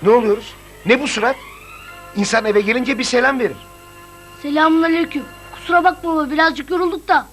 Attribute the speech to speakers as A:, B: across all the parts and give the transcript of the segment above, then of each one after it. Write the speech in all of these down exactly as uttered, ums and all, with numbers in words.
A: Ne oluyoruz? Ne bu surat? İnsan eve gelince bir selam verir.
B: Selamünaleyküm. Kusura bakma baba, birazcık yorulduk da.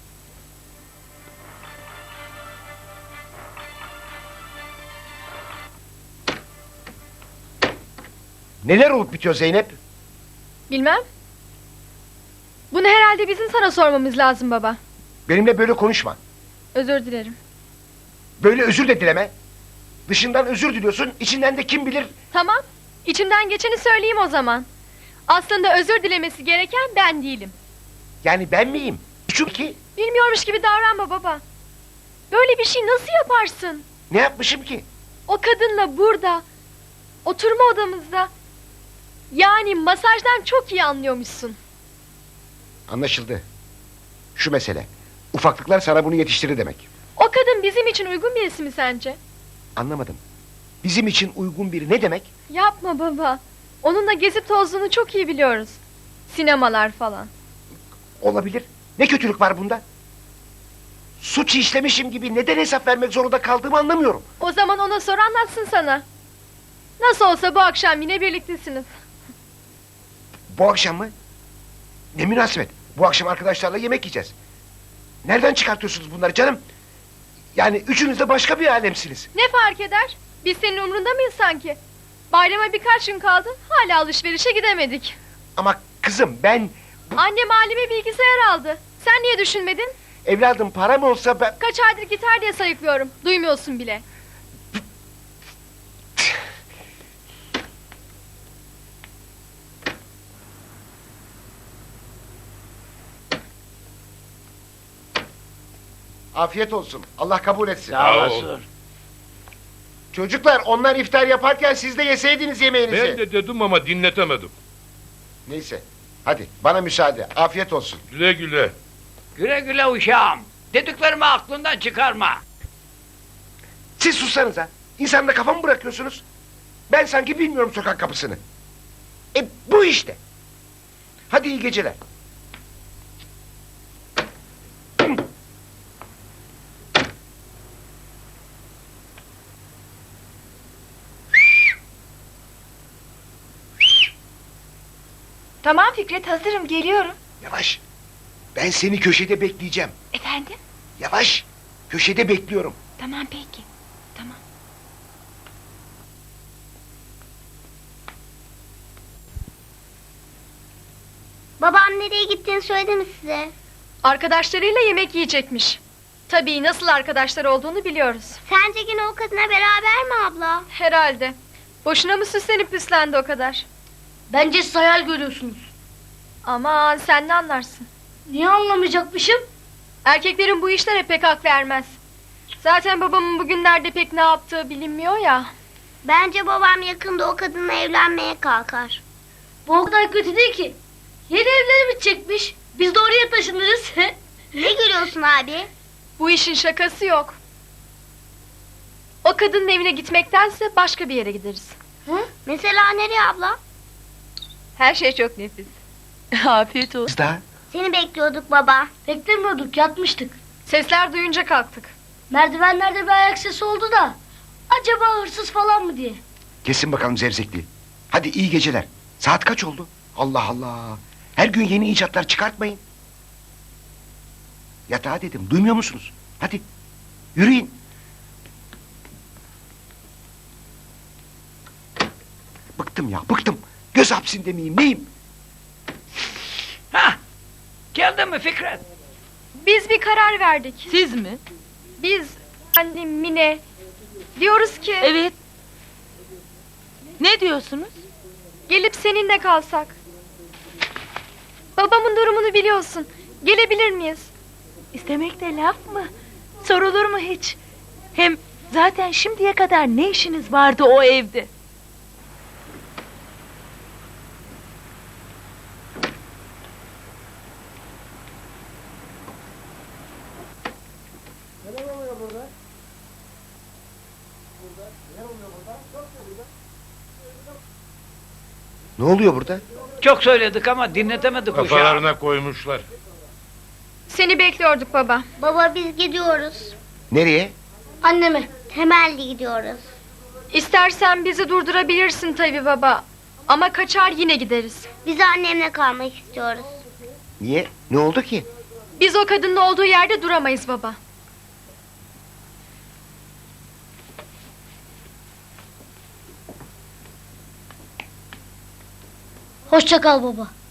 A: Neler olup bitiyor Zeynep?
C: Bilmem. Bunu herhalde bizim sana sormamız lazım baba.
A: Benimle böyle konuşma.
C: Özür dilerim.
A: Böyle özür de dileme. Dışından özür diliyorsun, içinden de kim bilir...
C: Tamam. İçimden geçeni söyleyeyim o zaman. Aslında özür dilemesi gereken ben değilim.
A: Yani ben miyim? Çünkü
C: Bilmiyormuş gibi davranma baba. Böyle bir şey nasıl yaparsın?
A: ne yapmışım ki?
C: O kadınla burada, oturma odamızda... Yani masajdan çok iyi anlıyormuşsun.
A: Anlaşıldı. Şu mesele. Ufaklıklar sana bunu yetiştirir demek.
C: O kadın bizim için uygun birisi mi sence?
A: Anlamadım. Bizim için uygun biri ne demek?
C: Yapma baba. Onunla gezip tozduğunu çok iyi biliyoruz. Sinemalar falan.
A: Olabilir. Ne kötülük var bunda? Suç işlemişim gibi neden hesap vermek zorunda kaldığımı anlamıyorum.
C: O zaman ona sor, anlatsın sana. Nasıl olsa bu akşam yine birliktesiniz.
A: Bu akşam mı? Ne münasebet. Bu akşam arkadaşlarla yemek yiyeceğiz. Nereden çıkartıyorsunuz bunları canım? Yani üçünüz de başka bir alemsiniz.
C: Ne fark eder? Biz senin umrunda mıyız sanki? Bayrama birkaç gün kaldı, hala alışverişe gidemedik.
A: Ama kızım ben... bu-
C: Annem halime bilgisayar aldı. Sen niye düşünmedin?
A: Evladım param olsa ben...
C: Kaç aydır gitar diye sayıklıyorum. Duymuyorsun bile.
A: Afiyet olsun. Allah kabul etsin.
D: Sağ olasın.
A: Çocuklar onlar iftar yaparken siz de yeseydiniz yemeğinizi.
E: Ben de dedim ama dinletemedim.
A: Neyse. Hadi bana müsaade. Afiyet olsun.
E: Güle güle.
D: Güle güle uşağım. Dediklerimi aklından çıkarma.
A: Siz sussanıza. İnsanla kafa mı bırakıyorsunuz? Ben sanki bilmiyorum sokak kapısını. E bu işte. Hadi iyi geceler.
F: Tamam Fikret, hazırım, geliyorum.
A: Yavaş. Ben seni köşede bekleyeceğim.
F: Efendim?
A: Yavaş. Köşede bekliyorum.
F: Tamam peki. Tamam.
B: Babam nereye gittiğini söyledi mi size?
C: Arkadaşlarıyla yemek yiyecekmiş. Tabii nasıl arkadaşlar olduğunu biliyoruz.
B: Sence yine o kadına beraber mi abla?
C: Herhalde. Boşuna mı süslenip püslendi o kadar?
B: Bence siz hayal görüyorsunuz.
C: Aman sen ne anlarsın?
B: Niye anlamayacakmışım?
C: Erkeklerin bu işlere pek hak vermez. Zaten babamın bugünlerde pek ne yaptığı bilinmiyor ya.
B: Bence babam yakında o kadınla evlenmeye kalkar. Bu o kadar kötü değil ki. Yeni evleri bitecekmiş. Biz de oraya taşınırız. Ne gülüyorsun abi?
C: Bu işin şakası yok. O kadının evine gitmektense başka bir yere gideriz.
B: Hı? Mesela nereye abla?
C: Her şey çok nefis.
F: Afiyet olsun.
A: Kız da
B: Seni bekliyorduk baba. Beklemiyorduk, yatmıştık.
C: Sesler duyunca kalktık.
B: Merdivenlerde bir ayak sesi oldu da. Acaba hırsız falan mı diye.
A: kesin bakalım zevzekliği. Hadi iyi geceler. Saat kaç oldu? Allah Allah. Her gün yeni icatlar çıkartmayın. Yatağa dedim. Duymuyor musunuz? Hadi. Yürüyün. Bıktım ya, bıktım. Göz hapsinde miyim, neyim?
D: Hah! Geldin mi Fikret?
C: Biz bir karar verdik.
F: Siz mi?
C: Biz, annem, Mine... Diyoruz ki...
F: Evet. Ne diyorsunuz?
C: Gelip seninle kalsak. Babamın durumunu biliyorsun. Gelebilir miyiz?
F: İstemek de laf mı? Sorulur mu hiç? Hem zaten şimdiye kadar ne işiniz vardı o evde?
A: Ne oluyor burada?
D: Çok söyledik ama dinletemedik uşağım.
E: Kafalarına koymuşlar.
C: Seni bekliyorduk baba.
B: Baba biz gidiyoruz.
A: Nereye?
B: Anneme. Temelli gidiyoruz.
C: İstersen bizi durdurabilirsin tabii baba. Ama kaçar yine gideriz.
B: Biz annemle kalmak istiyoruz.
A: Niye? Ne oldu ki?
C: Biz o kadının olduğu yerde duramayız baba.
B: Hoşça kal baba.